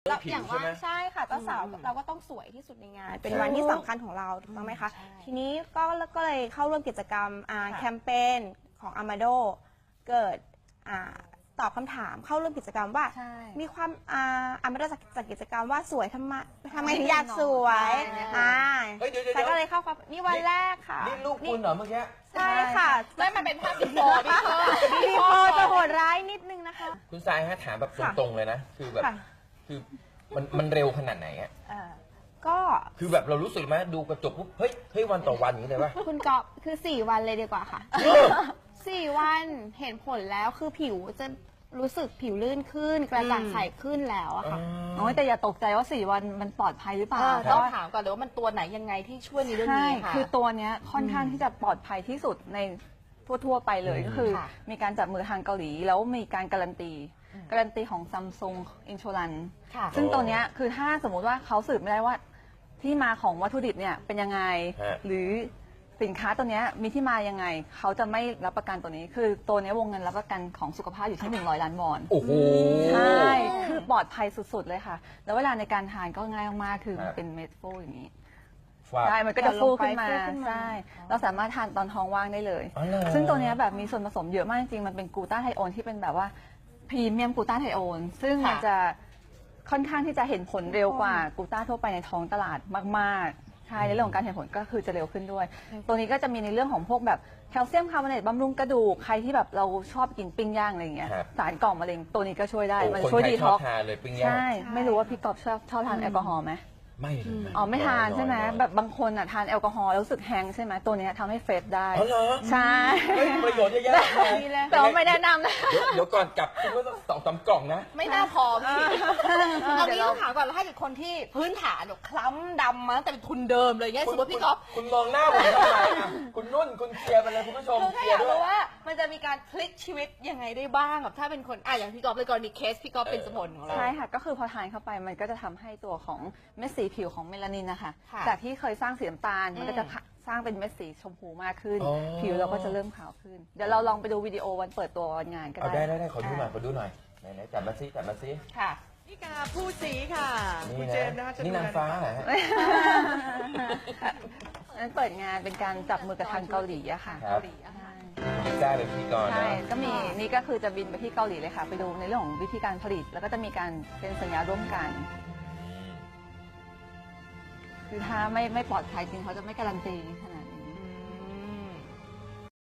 เราอย่างว่าใช่ค่ะเจ้าสาวเราก็ต้องสวยที่สุดในงานเป็นวันที่สำคัญของเราถูกต้องไหมคะทีนี้ก็เลยเข้าร่วมกิจกรรมแคมเปญของอามาโดเกิดตอบคำถามเข้าร่วมกิจกรรมว่ามีความอามาโดจัดกิจกรรมว่าสวยทำไมถึงอยากสวยแต่ก็เลยเข้าความนี่วันแรกค่ะนี่ลูกคุณเหรอเมื่อกี้ใช่ค่ะไม่มันเป็นภาพบีโฟร์บีโฟจะโหดร้ายนิดนึงนะคะคุณทรายฮะถามแบบตรงๆเลยนะคือแบบคือมันเร็วขนาดไหนอ่ะก็คือแบบเรารู้สึกไหมดูกระจกปุ๊บเฮ้ยวันต่อวันอย่างนี้เลยป่ะคุณก๊อฟคือ4 วันเลยดีกว่าค่ะ4 วันเห็นผลแล้วคือผิวจะรู้สึกผิวลื่นขึ้นกระจ่างใสขึ้นแล้วอะค่ะแต่อย่าตกใจว่า4 วันมันปลอดภัยหรือเปล่าต้องถามก่อนเลยว่ามันตัวไหนยังไงที่ช่วยในเรื่องนี้ค่ะคือตัวเนี้ยค่อนข้างที่จะปลอดภัยที่สุดในทั่วไปเลยก็คือมีการจับมือทางเกาหลีแล้วมีการการันตีของ Samsung Insurance ซึ่งตัวเนี้ยคือถ้าสมมุติว่าเขาสืบไม่ได้ว่าที่มาของวัตถุดิบเนี่ยเป็นยังไงหรือสินค้าตัวนี้มีที่มายังไงเขาจะไม่รับประกันตัวนี้คือตัวนี้วงเงินรับประกันของสุขภาพอยู่ที่100 ล้านวอนโอ้โหใช่คือปลอดภัยสุดๆเลยค่ะแล้วเวลาในการทานก็ง่ายมากๆคือเป็นเม็ดฟูอย่างนี้ใช่มันก็จะฟูขึ้นมาใช่เราสามารถทานตอนท้องว่างได้เลยซึ่งตัวนี้แบบมีส่วนผสมเยอะมากจริงๆมันเป็นกลูตาไทโอนที่เป็นแบบว่าพรีเมียมกลูตาไทโอนซึ่งมันจะค่อนข้างที่จะเห็นผลเร็วกว่ากลูตาทั่วไปในท้องตลาดมากๆใช่ในเรื่องของการเห็นผลก็คือจะเร็วขึ้นด้วยตัวนี้ก็จะมีในเรื่องของพวกแบบแคลเซียมคาร์บอเนตบำรุงกระดูกใครที่แบบเราชอบกินปิ้งย่างอะไรอย่างเงี้ยสารก่อมะเร็งตัวนี้ก็ช่วยได้มันช่วยดีท็อกซ์ใช่ไม่รู้ว่าพี่กอบชอบทานแอลกอฮอล์ไหมไม่ไม่ทานใช่ไหมแบบบางคนทานแอลกอฮอล์แล้วรู้สึกแฮงใช่ไหมตัวนี้ทำให้เฟรชได้ใช่ประโยชน์เยอะแยะเลยแต่ว่าไม่แนะนำนะเดี๋ยวก่อนกลับคุณว่าต้อง2-3 กล่องนะไม่น่าพอพี่เอางี้ต้องถามก่อนแล้วให้อีกคนที่พื้นฐานคล้ำดำมาตั้งแต่เป็นทุนเดิมเลยเงี้ยสมมติพี่ก๊อฟคุณมองหน้าผมทำไมคุณนุ่นคุณเคลียร์ไปเลยคุณผู้ชมเคลียร์ด้วยว่ามันจะมีการพลิกชีวิตยังไงได้บ้างแบบถ้าเป็นคนอย่างพี่ก๊อฟเลยกรณีเคสพี่ก๊อฟเป็นสมุนของเราใช่ค่ะก็คือพอทานเข้าไปมันก็จะทำให้ตัวของเม็ดสีผิวของเมลานินนะคะจากที่เคยสร้างสีน้ำตาลมันก็จะสร้างเป็นเม็ดสีชมพูมากขึ้นผิวเราก็จะเริ่มขาวขึ้นเดี๋ยวเราลองไปดูวิดีโอวันเปิดตัววันงานก็ได้ได้ขอดูหน่อยไหนจับมาซิค่ะนี่กาผู้สีค่ะคุณเจมส์นะคะนี่นางฟ้าเหรอฮะนั้นเปิดงานเป็นการจับมือกับทางเกาหลีอะค่ะเกาหลีได้เป็นพิธีกรใช่ก็มีนี่ก็คือจะบินไปที่เกาหลีเลยค่ะไปดูในเรื่องของวิธีการผลิตแล้วก็จะมีการเป็นสัญญาร่วมกันคือถ้าไม่ปลอดภัยจริงเขาจะไม่การันตี